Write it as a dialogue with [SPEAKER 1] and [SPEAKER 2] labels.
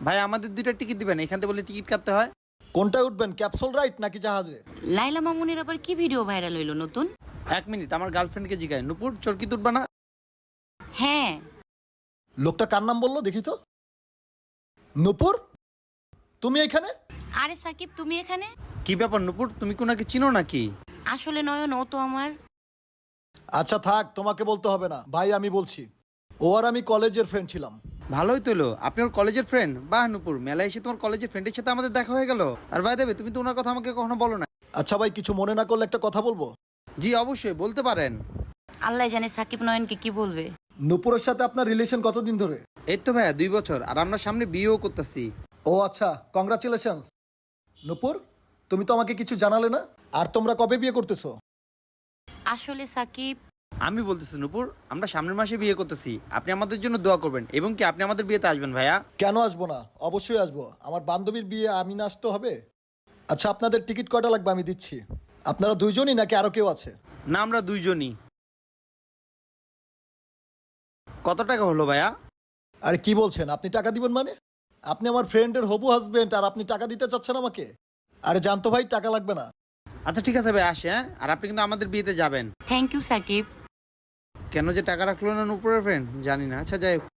[SPEAKER 1] ভাই আমাদের 2টা টিকিট দিবেন, এখান থেকে বলে টিকিট কাটতে হয়।
[SPEAKER 2] কোনটায় উঠবেন, ক্যাপসুল রাইড নাকি জাহাজে?
[SPEAKER 3] লাইলা মামুনের আবার কি ভিডিও ভাইরাল হইলো নতুন?
[SPEAKER 1] 1 মিনিট, আমার গার্লফ্রেন্ডকে জিগায়, নুপুর চরকি তুলবা না?
[SPEAKER 3] হ্যাঁ।
[SPEAKER 2] লোকটা কার নাম বললো দেখি তো। নূপুর, তুমি এখানে?
[SPEAKER 3] আরে সাকিব, তুমি এখানে?
[SPEAKER 1] কি ব্যাপার নুপুর, তুমি কোনাকে চিনো নাকি?
[SPEAKER 3] আসলে নয়ন, ও তো আমার।
[SPEAKER 2] আচ্ছা থাক, তোমাকে বলতে হবে না, ভাই আমি বলছি। ও আর আমি কলেজের ফ্রেন্ড ছিলাম।
[SPEAKER 1] ভালোই তো এলো, আপনি ওর কলেজের ফ্রেন্ড। বাহ নুপুর, মেলায় এসে তোমার কলেজের ফ্রেন্ডের সাথে আমাদের দেখা হয়ে গেল। আর ভাই দেবে, তুমি তো ওনার কথা আমাকে কখনো বলো না।
[SPEAKER 2] আচ্ছা ভাই, কিছু মনে না করলে একটা কথা বলবো?
[SPEAKER 1] জি অবশ্যই, বলতে পারেন।
[SPEAKER 3] আল্লাহ জানে সাকিব নয়নকে কি বলবে।
[SPEAKER 2] নূপুরের সাথে আপনার রিলেশন কতদিন ধরে?
[SPEAKER 1] এই তো ভাইয়া 2 বছর, আর আমরা সামনে বিয়েও করতেছি।
[SPEAKER 2] ও আচ্ছা, কংগ্রাচুলেশনস। নূপুর, তুমি তো আমাকে কিছু জানালে না। আর তোমরা কবে বিয়ে করতেছো?
[SPEAKER 3] আসলে সাকিব,
[SPEAKER 1] আমি বলতেছি নুপুর, আমরা সামনের মাসে বিয়ে করতেছি। আপনি আমাদের জন্য দোয়া করবেন, এবং কি আপনি আমাদের বিয়েতে আসবেন ভাইয়া।
[SPEAKER 2] কেন আসবো না, অবশ্যই আসবো। আমার বান্ধবীর বিয়ে, আমি না আসতে হবে? আচ্ছা, আপনাদের টিকিট কয়টা লাগবে আমি দিচ্ছি। আপনারা দুইজনই নাকি আরো কেউ আছে?
[SPEAKER 1] না, আমরা 2জনই। কত টাকা হলো ভাইয়া?
[SPEAKER 2] আরে কি বলছেন, আপনি টাকা দিবেন মানে? আপনি আমার ফ্রেন্ডের হবু হাজবেন্ড আর আপনি টাকা দিতে চাচ্ছেন আমাকে? আরে জানতো ভাই, টাকা লাগবে না।
[SPEAKER 1] আচ্ছা ঠিক আছে ভাই, আসে। হ্যাঁ, আর আপনি কিন্তু আমাদের বিয়েতে যাবেন।
[SPEAKER 3] Thank you Sakib.
[SPEAKER 1] কেন যে টাকা রাখলো না নুপুরের ফ্রেন্ড জানি না। আচ্ছা যাই হোক।